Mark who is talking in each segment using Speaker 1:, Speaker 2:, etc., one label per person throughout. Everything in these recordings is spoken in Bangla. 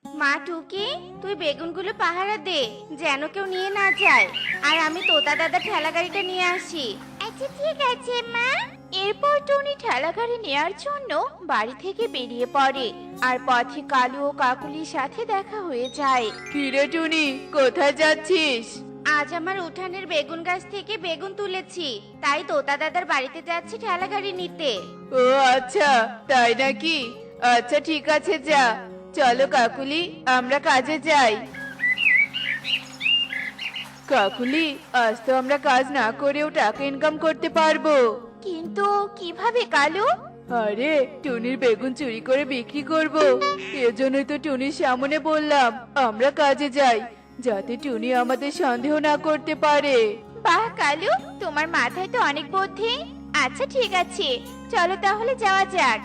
Speaker 1: মা টুকি, তুই বেগুনগুলো পাহারা দে, যেন কেউ নিয়ে না যায়। আর আমি তোতা দাদা ঠেলা গাড়িটা নিয়ে আসি। আচ্ছা ঠিক আছে মা। এরপর টুনি ঠেলা গাড়ি নেয়ার জন্য বাড়ি থেকে বেরিয়ে পড়ে। আর পথে কালু ও কাকুলির সাথে দেখা হয়ে যায়।
Speaker 2: কিরে টুনি, কোথায় যাচ্ছিস?
Speaker 1: আজ আমার উঠানের বেগুন গাছ থেকে বেগুন তুলেছি, তাই তোতা দাদার বাড়িতে যাচ্ছি ঠেলা গাড়ি নিতে।
Speaker 2: ও আচ্ছা, তাই নাকি? আচ্ছা ঠিক আছে, যা। চলো কাকুলি, আমরা কাজে যাই। কাকুলি, আজ তো আমরা কাজ না করেও টাকা ইনকাম করতে পারবো।
Speaker 1: কিন্তু কিভাবে কালু?
Speaker 2: আরে, টুনির বেগুন চুরি করে বিক্রি করব। এজন্যই তো টুনির সামনে বললাম আমরা কাজে যাই, যাতে টুনি আমাদের সন্দেহ না করতে পারে।
Speaker 1: বাহ কালু, তোমার মাথায় তো অনেক বুদ্ধি। আচ্ছা ঠিক আছে, চলো তাহলে যাওয়া যাক।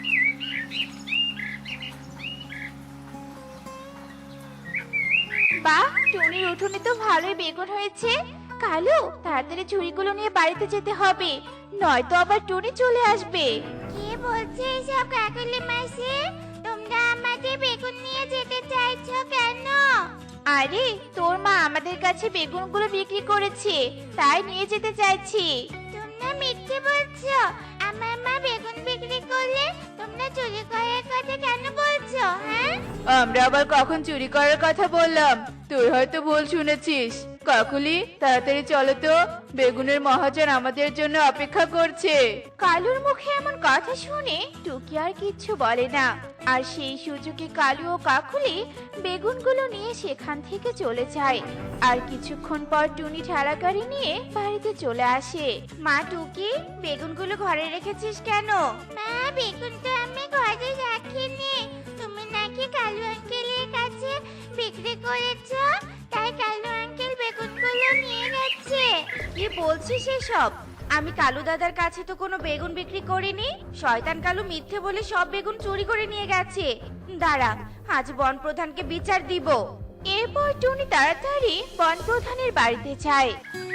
Speaker 1: বাহ, টুনির উঠোনে তো ভালোই বেগুন হয়েছে। কালু, তাড়াতাড়ি ঝুড়িগুলো নিয়ে বাড়িতে যেতে হবে, নয়তো আবার টুনি চলে আসবে। কে বলছে এসব কাকুলি মাসি? তোমরা আমাদের বেগুন নিয়ে যেতে চাইছো কেন? আরে, তোর মা আমাদের কাছে বেগুনগুলো বিক্রি করেছে, তাই নিয়ে যেতে চাইছি। তোমরা মিথ্যে বলছো। আমার মা বেগুন বিক্রি করলে তোমরা চুরি করার কথা কেন বলছো? হ্যাঁ,
Speaker 2: আমরা আবার কখন চুরি করার কথা বললাম? তুই হয়তো ভুল শুনেছিস। কাকুলি, তাড়াতাড়ি চলো তো, বেগুনের মহাজন আমাদের জন্য অপেক্ষা করছে।
Speaker 1: কালুর মুখে এমন কথা শুনে টুকি আর কিচ্ছু বলে না। আর সেই সুযোগে কালু ও কাকুলি বেগুনগুলো নিয়ে সেখান থেকে চলে যায়। আর কিছুক্ষণ পর টুনি ঠেলা গাড়ি নিয়ে বাড়িতে চলে আসে। মা টুকি, বেগুনগুলো ঘরে রেখেছিস কেন? মা, বেগুনটা আমি ঘরে রাখিনি। তুমি নাকি কালু আঙ্কেলের কাছে বিক্রি করেছো, তাই কালু আঙ্কেল বেগুনগুলো নিয়ে গেছে। কি বলছিস এসব? আমি কালু দাদার কাছে তো কোনো বেগুন বিক্রি করিনি। শয়তান কালু মিথ্যে বলে সব বেগুন চুরি করে নিয়ে গেছে। দাঁড়া, আজ বন প্রধানকে বিচার দিব। এরপর টুনি তাড়াতাড়ি বন প্রধানের বাড়িতে যায়।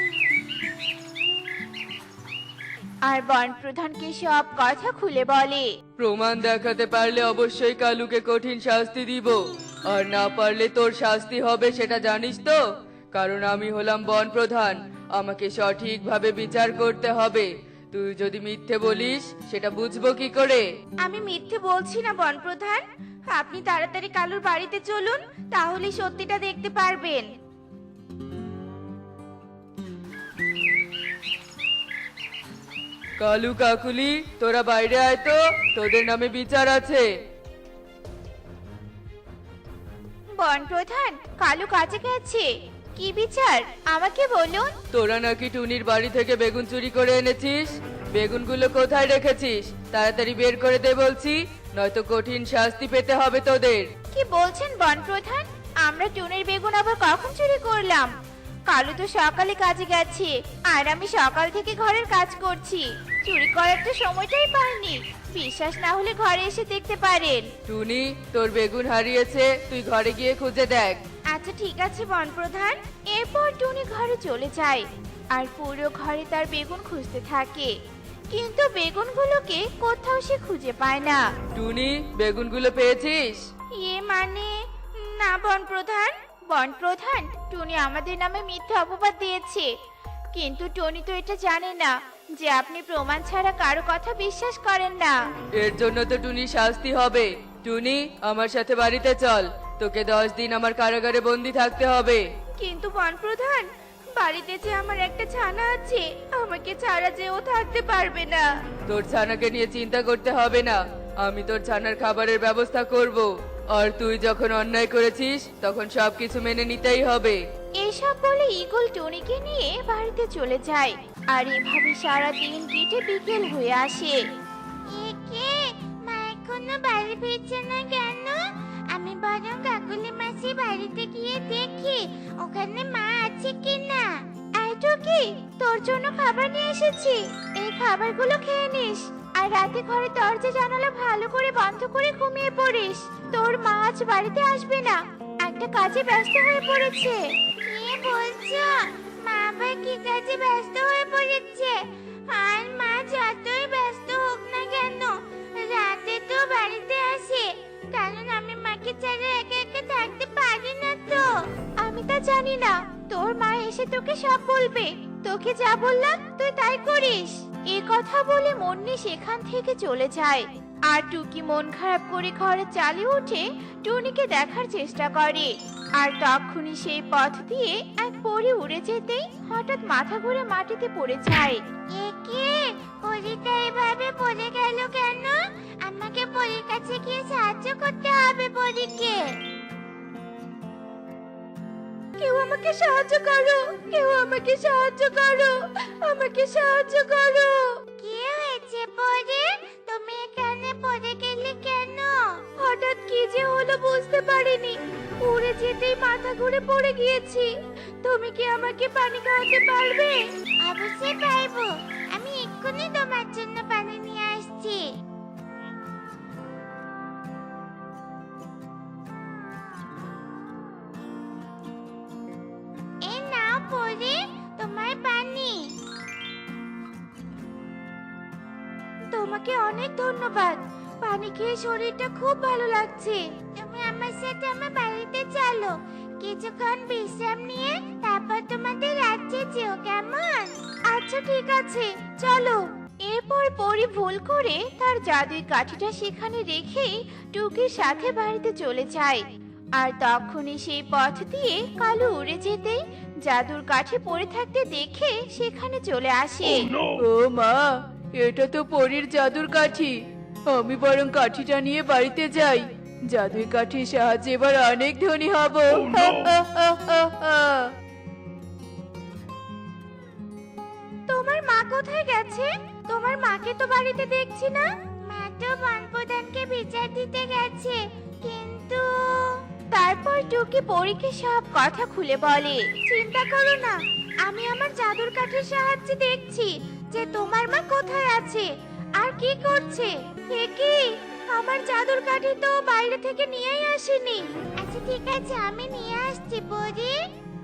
Speaker 1: আর বন প্রধানকে সব কথা খুলে বলে।
Speaker 2: প্রমাণ দেখাতে পারলে অবশ্যই কালুকে কঠিন শাস্তি দিব, আর না পারলে তোর শাস্তি হবে সেটা জানিস তো? কারণ আমি হলাম বন প্রধান, আমাকে সঠিকভাবে বিচার করতে হবে। তুই যদি মিথ্যে বলিস সেটা বুঝবো কি করে?
Speaker 1: আমি মিথ্যে বলছি না বন প্রধান, আপনি তাড়াতাড়ি কালুর বাড়িতে চলুন, তাহলে সত্যিটা দেখতে পারবেন।
Speaker 2: কালু, কাকুলি, তোরা বাইরে আয় তো, তোদের নামে বিচার আছে।
Speaker 1: বন প্রধান, কালু কাজে গেছে। কি বিচার আমাকে বলুন।
Speaker 2: তোরা নাকি টুনির বাড়ি থেকে বেগুন চুরি করে এনেছিস। বেগুনগুলো কোথায় রেখেছিস? তাড়াতাড়ি বের করে দে বলছি, নয়তো কঠিন শাস্তি পেতে হবে তোদের।
Speaker 1: কি বলছেন বন প্রধান? আমরা টুনির বেগুন আবার কখন চুরি করলাম? কালু তো সকালে কাজে গেছে, আর আমি সকাল থেকে ঘরের কাজ করছি। চুরি করার তো সময়টাই পাইনি। বিশ্বাস না হলে ঘরে এসে দেখতে পারেন।
Speaker 2: টুনি, তোর বেগুন হারিয়েছে, তুই ঘরে গিয়ে খুঁজে দেখ।
Speaker 1: আচ্ছা ঠিক আছে বন প্রধান। এরপর টুনি ঘরে চলে যায়, আর পুরো ঘরে তার বেগুন খুঁজতে থাকে। কিন্তু বেগুনগুলোকে কোথাও সে খুঁজে পায় না।
Speaker 2: টুনি, বেগুনগুলো পেয়েছিস?
Speaker 1: মানে না বন প্রধান। বন প্রধান, টুনি আমাদের নামে মিথ্যা অপবাদ দিয়েছে। কিন্তু টনি তো এটা জানে না যে আপনি প্রমাণ ছাড়া কারো কথা বিশ্বাস করেন না।
Speaker 2: এর জন্য তো টুনি শাস্তি হবে। টুনি, আমার সাথে বাড়িতে চল, তোকে 10 দিন আমার কারাগারে বন্দি থাকতে হবে।
Speaker 1: কিন্তু বন প্রধান, বাড়িতে যে আমার একটা ছানা আছে, আমাকে ছাড়া যে ও থাকতে পারবে না।
Speaker 2: তোর ছানাকে নিয়ে চিন্তা করতে হবে না, আমি তোর ছানার খাবারের ব্যবস্থা করব। আর তুই যখন অন্যায় করেছিস তখন সবকিছু মেনে নিতেই হবে।
Speaker 1: এসব বলে ঈগল টনিকে নিয়ে বাড়িতে চলে যায়। আর এভাবে সারা দিন কেটে বিকেল হয়ে আসে। মা এখনো বাড়ি ফিরছে না কেন? আমি বরং কাকুলি মাসি বাড়িতে গিয়ে দেখি ওখানে মা আছে কিনা। এই টুকি, তোর জন্য খাবার নিয়ে এসেছি, এই খাবারগুলো খেয়ে নিস। আর রাতে ঘরে দরজা জানালা ভালো করে বন্ধ করে ঘুমিয়ে পড়িস। তোর মা আজ বাড়িতে আসবে না, একটা কাজে ব্যস্ত হয়ে পড়েছে। কি বলছো? মা আবার কি কাজে ব্যস্ত হয়ে পড়েছে? আর মা যতই ব্যস্ত হোক না কেন, রাতে তো বাড়িতে আসে। কারণ আমি মাকে ছাড়া একা একা আমি তা জানি না, তোর মা এসে তোকে সব বলবে। তোকে যা বললাম তুই তাই করিস। এ কথা বলে মুন্নি সেখান থেকে চলে যায়। আর টুকি মন খারাপ করে ঘরে চালে উঠে টুনিকে দেখার চেষ্টা করে। আর তখনই সেই পথ দিয়ে এক পরী উড়ে যেতেই হঠাৎ মাথা ঘুরে মাটিতে পড়ে যায়। একে পরীটা এভাবে পড়ে গেল কেন? আমাকে পরীর কাছে গিয়ে সাহায্য করতে হবে পরীকে। কেউ আমাকে সাহায্য করো, কেউ আমাকে সাহায্য করো, আমাকে সাহায্য করো। কি হয়েছে পরে? তুমি এখানে পড়ে গেলে কেন? হঠাৎ কি যে হলো বুঝতে পারিনি, উড়ে যেতেই মাথা ঘুরে পড়ে গিয়েছি। তুমি কি আমাকে পানি খাওয়াতে পারবে? অবশ্যই পারবো, আমি এক্ষুনি তোমার জন্য পানি নিয়ে আসছি। এই নাও পরে তোমার পানি। তোমাকে অনেক ধন্যবাদ, পানি খেয়ে শরীরটা খুব ভালো লাগছে। তুমি আমার সাথে আমার বাড়িতে চলো, কিছুক্ষণ বিশ্রাম নিয়ে তারপর তোমাদের রাজ্যে যেও, কেমন? আচ্ছা ঠিক আছে, চলো। এরপর পরি ভুল করে তার জাদুর কাঠিটা সেখানে রেখে টুকির সাথে বাড়িতে চলে যায়। আর তখনই সেই পথ দিয়ে কালু উড়ে যেতেই জাদুর কাঠি পড়ে থাকতে দেখে সেখানে চলে আসে।
Speaker 2: ও মা, এটা তো পরীর জাদুর কাঠি। আমি বরং কাঠিটা নিয়ে বাড়িতে যাই, জাদুর কাঠির সাহায্যে এবার অনেক ধনী হব।
Speaker 1: তোমার মা কোথায় গেছে? তোমার মাকে তো বাড়িতে দেখছি না। মা তো বনপ্রধানকে বিচার দিতে গেছে, কিন্তু তারপর টুকি পরীকে সব কথা খুলে বলে। চিন্তা করো না, আমি আমার জাদুর কাঠির সাহায্যে দেখছি যে তোমার মা কোথায় আছে আর কি করছে। হে কি, আমার জাদুর কাঠি তো বাইরে থেকে নিয়েই আসেনি। আচ্ছা ঠিক আছে, আমি নিয়ে আসছি পরি।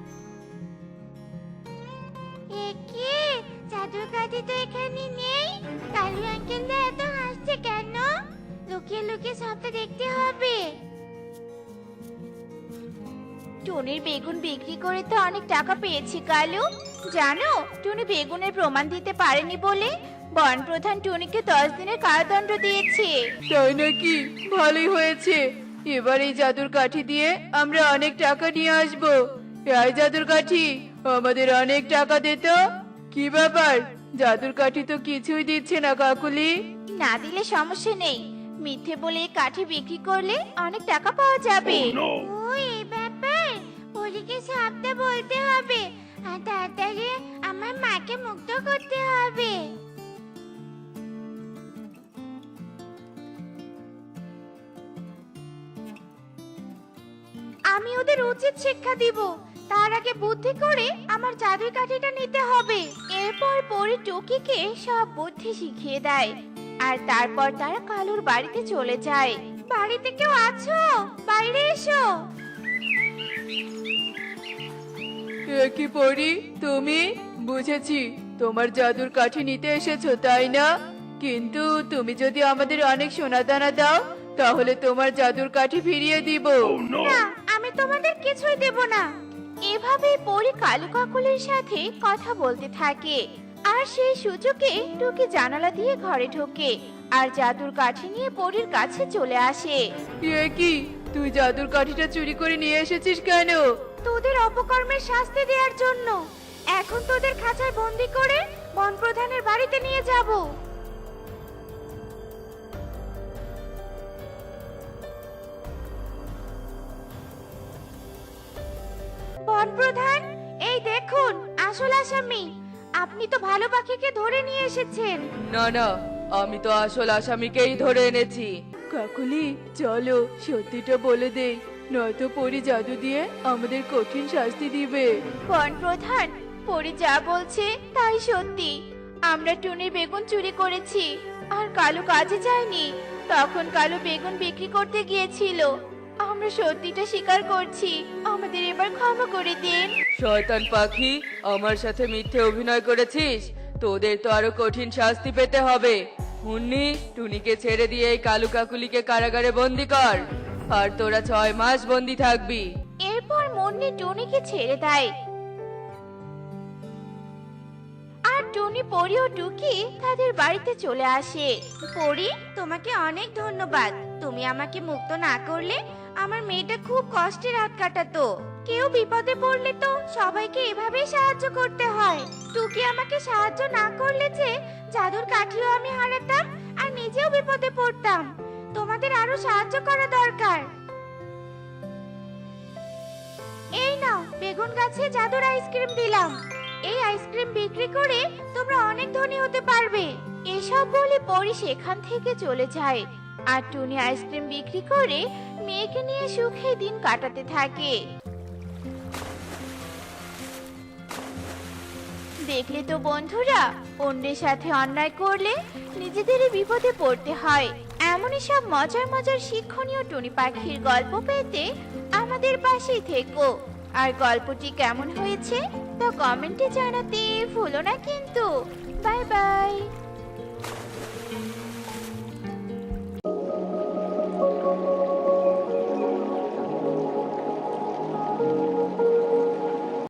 Speaker 1: একে জাদুর কাঠি তো এখানে নেই। কালু আঙ্কেলটা এত হাসছে কেন? লুকিয়ে লুকিয়ে সবটা দেখতে হবে। টুনির বেগুন বিক্রি করে তো অনেক টাকা পেয়েছি কালু। জানো, টুনি বেগুনের প্রমাণ দিতে পারেনি বলে বন প্রধান টুনিকে 10 দিনের কারাদণ্ড দিয়েছে।
Speaker 2: তাই নাকি? ভালোই হয়েছে, এবার এই জাদুর কাঠি দিয়ে আমরা অনেক টাকা নিয়ে আসবো। এই জাদুর কাঠি, আমাদের অনেক টাকা দে তো। কি ব্যাপার, জাদুর কাঠি তো কিছুই দিচ্ছে না কাকুলি।
Speaker 1: না দিলে সমস্যা নেই, মিথ্যে বলে এই কাঠি বিক্রি করলে অনেক টাকা পাওয়া যাবে। ও এই ব্যাপার, পরীকে সবটা বলতে হবে আর তাড়াতাড়ি আমার মাকে মুক্ত করতে হবে। আমি ওদের উচিত শিক্ষা দিব, তার আগে বুদ্ধি করে আমার জাদুর কাঠিটা নিতে হবে। এরপর পরি টুকিকে সব বুদ্ধি শিখিয়ে দেয়। আর তারপর তারা কালুর বাড়িতে চলে যায়। বাড়িতে কেউ আছো? বাইরে এসো।
Speaker 2: এ কি পরি, তুমি? বুঝেছি, তোমার জাদুর কাঠি নিতে এসেছো তাই না? কিন্তু তুমি যদি আমাদের অনেক সোনা দানা দাও তাহলে তোমার জাদুর কাঠি ফিরিয়ে দিব।
Speaker 1: না, আমি তোমাদের কিছুই দেব না। এভাবে পরি কালু কাকুলির সাথে কথা বলতে থাকে। আর সেই সুযোগে টুকি জানালা দিয়ে ঘরে ঢোকে আর জাদুর কাঠি নিয়ে পরীর কাছে চলে আসে।
Speaker 2: এ কি, তুই জাদুর কাঠিটা চুরি করে নিয়ে এসেছিস কেন?
Speaker 1: তোদের অপকর্মের শাস্তি দেওয়ার জন্য। এখন তোদের খাঁচায় বন্দি করে বন প্রধানের বাড়িতে নিয়ে যাব। বন প্রধান, এই দেখুন আসল আসামি। আপনি তো ভালো পাখিকে ধরে নিয়ে এসেছেন।
Speaker 2: না না, আমি তো আসল আসামিকেই ধরে এনেছি। কাকুলি, চলো সত্যিটা বলে দেই, নয়তো পরি জাদু দিয়ে আমাদের কঠিন শাস্তি দিবে।
Speaker 1: বন প্রধান, পরি যা বলছে তাই সত্যি। আমরা টুনির বেগুন চুরি করেছি আর কালু কাজে যায়নি। তখন কালু বেগুন বিক্রি করতে গিয়েছিল। আমরা সত্যিটা স্বীকার করছি, আমাদের এবার ক্ষমা করে দিন।
Speaker 2: শয়তান পাখি, আমার সাথে মিথ্যে অভিনয় করেছিস, তোদের তো আরো কঠিন শাস্তি পেতে হবে। মুন্নি, টুনিকে ছেড়ে দিয়ে এই কালু কাকুলিকে কারাগারে বন্দি কর, আর তোরা 6 মাস বন্দি থাকবি।
Speaker 1: এরপর মুন্নি টুনিকে ছেড়ে দেয়। আর টুনি, পরি ও টুকি তাদের বাড়িতে চলে আসে। পরি, তোমাকে অনেক ধন্যবাদ। তুমি আমাকে মুক্ত না করলে আমার মেয়েটা খুব কষ্টে রাত কাটাতো। কেউ বিপদে পড়লে তো সবাইকে এভাবেই সাহায্য করতে হয়। টুকি আমাকে সাহায্য না করলে যে জাদুর কাঠিও আমি হারাতাম আর নিজেও বিপদে পড়তাম। তোমাদের আরো সাহায্য করা দরকার। এই নাও, বেগুন গাছে জাদুর আইসক্রিম দিলাম। এই আইসক্রিম বিক্রি করে তোমরা অনেক ধনী হতে পারবে। এসব বলে পরি সেখান থেকে চলে যায়। আর টুনি আইসক্রিম বিক্রি করে মেয়েকে নিয়ে সুখে দিন কাটাতে থাকে। দেখলে তো বন্ধুরা, অন্যের সাথে অন্যায় করলে নিজেদেরই বিপদে পড়তে হয়। এমনই সব মজার মজার শিক্ষণীয় টুনি পাখির গল্প পেতে আমাদের পাশেই থেকো। আর গল্পটি কেমন হয়েছে তা কমেন্টে জানাতে ভুলো না কিন্তু। Bye by.